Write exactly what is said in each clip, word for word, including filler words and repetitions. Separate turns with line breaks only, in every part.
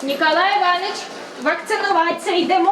Ніколай Іванович, вакцинуватися йдемо?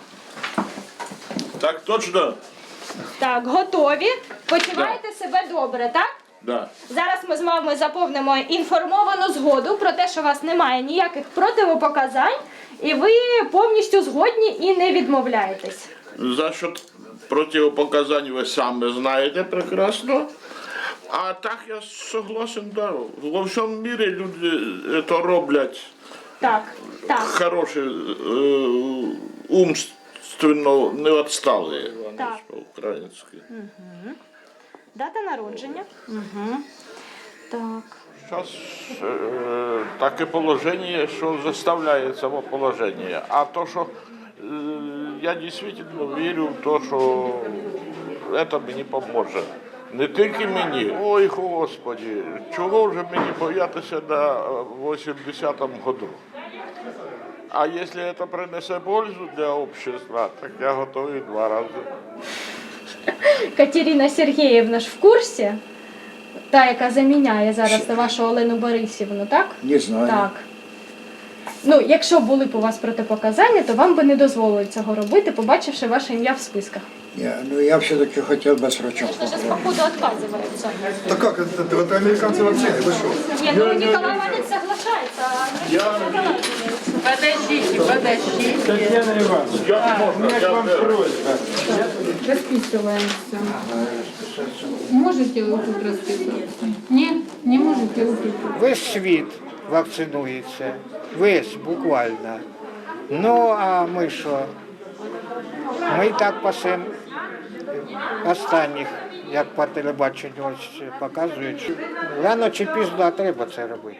Так точно?
Так, готові. Почуваєте себе добре, так?
Да.
Зараз ми з вами заповнимо інформовану згоду про те, що у вас немає ніяких противопоказань, і ви повністю згодні і не відмовляєтесь.
За счет противопоказань ви самі знаєте прекрасно. А так я согласен, да. Во всьому мірі люди це роблять
Так, так,
хороші, е, умственно не відсталі,
Так.
по-українськи.
дата народження. Угу. Так.
Зараз е, таке положення, що заставляє це положення. А то, що е, я дійсно вірю в те, що це мені допоможе. Не тільки мені. Ой, Господи, чого вже мені боятися на вісімдесятому году? А якщо це принесе пользу для общества, так я готовий два рази.
Катерина Сергіївна ж в курсі? Та, яка заміняє зараз вашу Олену Борисівну, так?
Не знаю.
Так. Ну, якщо були б у вас протипоказання, то вам би не дозволили цього робити, побачивши ваше ім'я в списках.
Я, ну я все-таки хотел бы срочно
Сейчас, походу, отказываются.
Да как это? Это американцы вообще, вы что?
Нет, ну Николай Иванович соглашается, а Андрей отказывается.
Подождите, подождите.
Татьяна Ивановна, у меня к вам просьба.
Расписываемся. Можете вы тут расписываться? Нет, не можете вы тут.
Весь світ вакцинується, весь буквально. Ну а ми що? Ми і так пасемо останніх, як по телебаченню ось показують. Рано чи пізно треба це робити.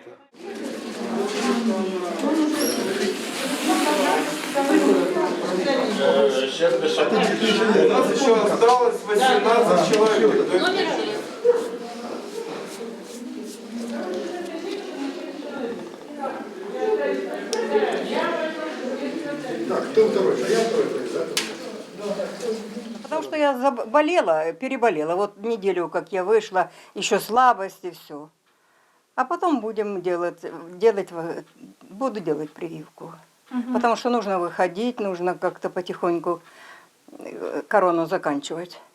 У нас еще осталось восемнадцать человек. Так, кто второй? А я второй, да?
Потому что я заболела, переболела. Вот неделю, как я вышла, еще слабость и все. А потом будем делать, делать, буду делать прививку. Угу. Потому что нужно выходить, нужно как-то потихоньку корону заканчивать.